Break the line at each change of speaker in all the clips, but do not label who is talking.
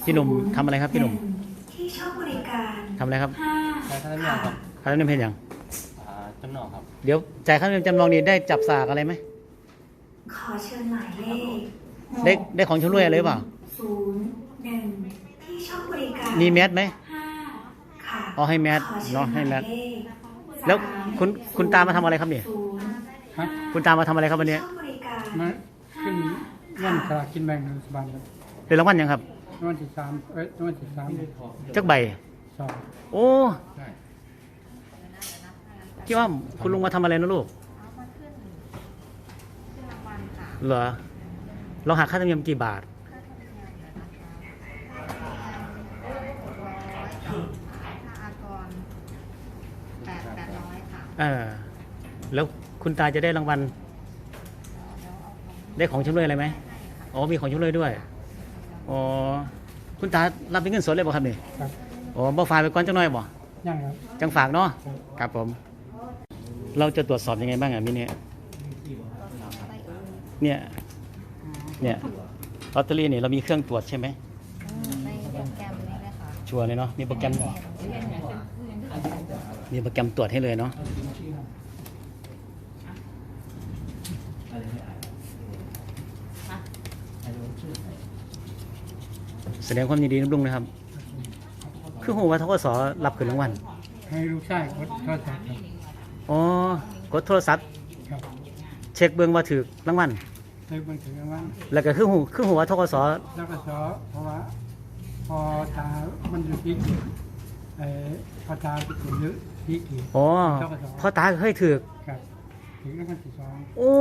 พี่หนุ่มทำอะไรครับพี่หนุ่ม
ที่ช่องบริการ
ทำอะไรครับ
จ่าย
ค่าธรรมเนียมครับ
ค่าธรรมเนียมเพลงอย่าง
จำนองครับ
เดี๋ยวจ่ายค่าธรรมเนียมจำลองนี้ได้จับสากอะไรไหม
ขอเชิญหมายเลข
ได้ของชำร่วยอะไรหรือเปล่า
01ที่ช่องบริการ
มีแมสไหม
5ค่ะ
อ๋อให้แมสเนาะให้แมสแล้วคุณตามาทำอะไรครับเนี่ยคุณตามาทำอะไรครับวันนี้
มาขึ้นเงินสลากกินแบ่งรัฐบาลครับ
เป็นรางวัลยังครับ
รางวัลที่3รางวัลที่3
จักใบ
2
โอ้คิดว่าคุณลุงมาทำอะไรนะลูกเหรอเราหักค่าธรรมเนียมกี่บาทแล้วคุณตาจะได้รางวัลได้ของชำร่วยอะไรไหมอ๋อมีของชำร่วยด้วยอ๋อคุณตารับเป็นเงินสดเลยบ่ครับนี่อ๋อบ่ฝากไปก่อนจังหน่อยบ่
ยังครับ
จังฝากเนาะครับผมเราจะตรวจสอบยังไงบ้างอ่ะมิเนี่ยลอตเตอรี่นี่เรามีเครื่องตรวจใช่ไหม
ในโปรแกรมนี้เลยค่ะ
ชัวร์เลยเนาะมีโปรแกรมตรวจให้เลยเนาะแสดงความยินดีน้ำลุงนะครับคือหัวว่าทกสรับขึ้นรางวัล
ให้ลูกชายกดโทรศัพท์ครับ
อ๋อกดโทรศัพท์
ครับ
เช็คเบื้องว่าถือรางวัล
เช็คเบื้องถือรางวัล
แล้วก็คือหัวทกส
แล้วก็เพราะว่าพอตามันอยู่ที่พอตาถึงเยอะที่กี่
อ๋อพอตาเคยถือ
ครับถึงรางวัลที่2
โอ้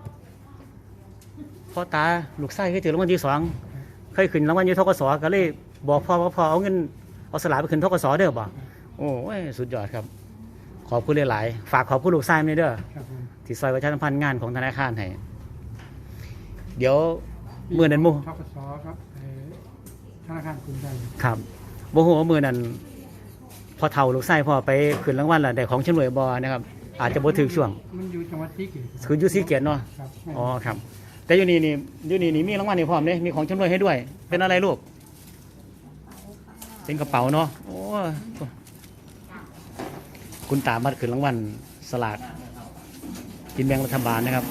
พอตาลูกชายเคยถือรางวัลที่2เคยขึ้นรางวัลอยู่ทกสก็เลยบอกพ่อว่าพ่อเอาเงินเอาสลากไปขึ้นทกสเด้อบ่โอ้ยสุดยอดครับขอบคุณหลายๆฝากขอบคุณลูกชายนี่เด้อที่ซอยประชาสัมพันธ์งานของธนาคารให้เดี๋ยวมื้อนั้นท
กสครับธนาคารกรุงไทย
ครับบ่ฮู้ว่ามื้อนั้นพอเฒ่าลูกชายพ่อไปขึ้นรางวัลล่ะได้ของชำร่วยบ่นะครับอาจจะบ่ถึกช่วง
มันอยู่จังหวัดศรีเกษ
คืออยู่ศรีเกษเนาะอ๋อครับแต่อยู่นี่มีรางวัลให้พร้อมเด้มีของชำร่วยให้ด้วยเป็นอะไรลูกเป็นกระเป๋าเนาะโอ้คุณตามาขึ้นรางวัลสลากกินแบ่งรัฐบาลนะครับ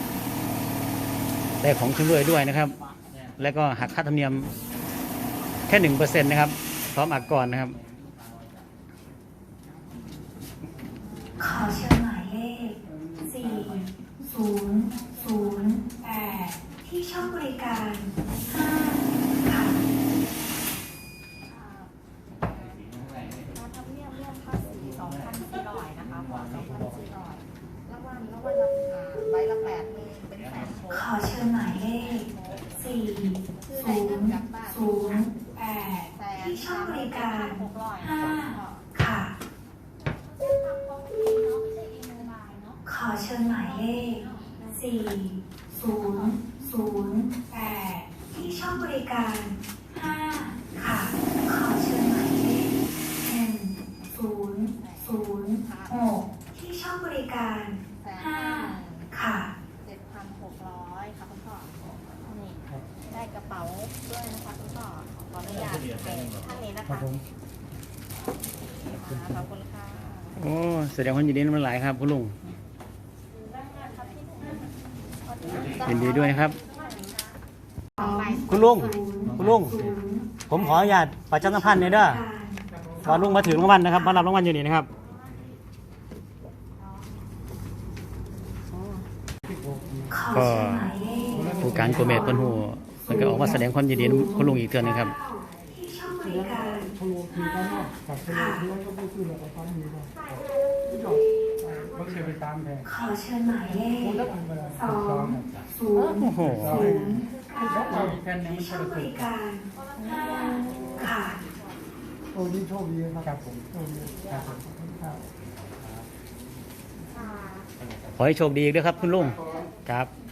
ได้ของชำร่วยด้วยนะครับแล้วก็หักค่าธรรมเนียมแค่ 1% นะครับพร้อมอักกรนะครับ
ขอเชิญหมายเลข4008ที่ช่องบริการ5ค่ะ
ธรรมเนียมเรื่องภาษี2,400นะคะพอ2,400รางวัลใบละ8มีเป็นแสนโชว์
ขอเชิญหมายเลข4008ที่ช่องบริการ5ค่ะขอเชิญหมายเลข4008ที่ช่องบริการ5ค่ะขอเชิญหมายเลข1006ที่ช่องบริการ5ค่ะ
7,600ค่ะคุณพ่อนี่ได้กระเป๋าด้วยนะคะคุณพ่อขออนุญาตให้ท่านนี้นะคะขอบคุณค่ะ
โอ้แสดงความยินดีน้ำหลายครับคุณลุงยินดีด้วยนะครับคุณลุงผมขออนุญาตประชาสัมพันธ์หน่อยเด้อว่าลุงมาถึงรางวัลนะครับมารับรางวัลอยู่นี่นะครับก็ผู้การโกเมตเปิ้นฮู้มันก็ออกมาแสดงความยินดีคุณลุงอีกเทื่อนึงครับ
ขอเชิญหมายเลข200ที่ช่องบริการ5ค่ะ
โอ้ยิ่งโชคดีครับผม
ขอให้โชคดีด้วยครับคุณลุงครับ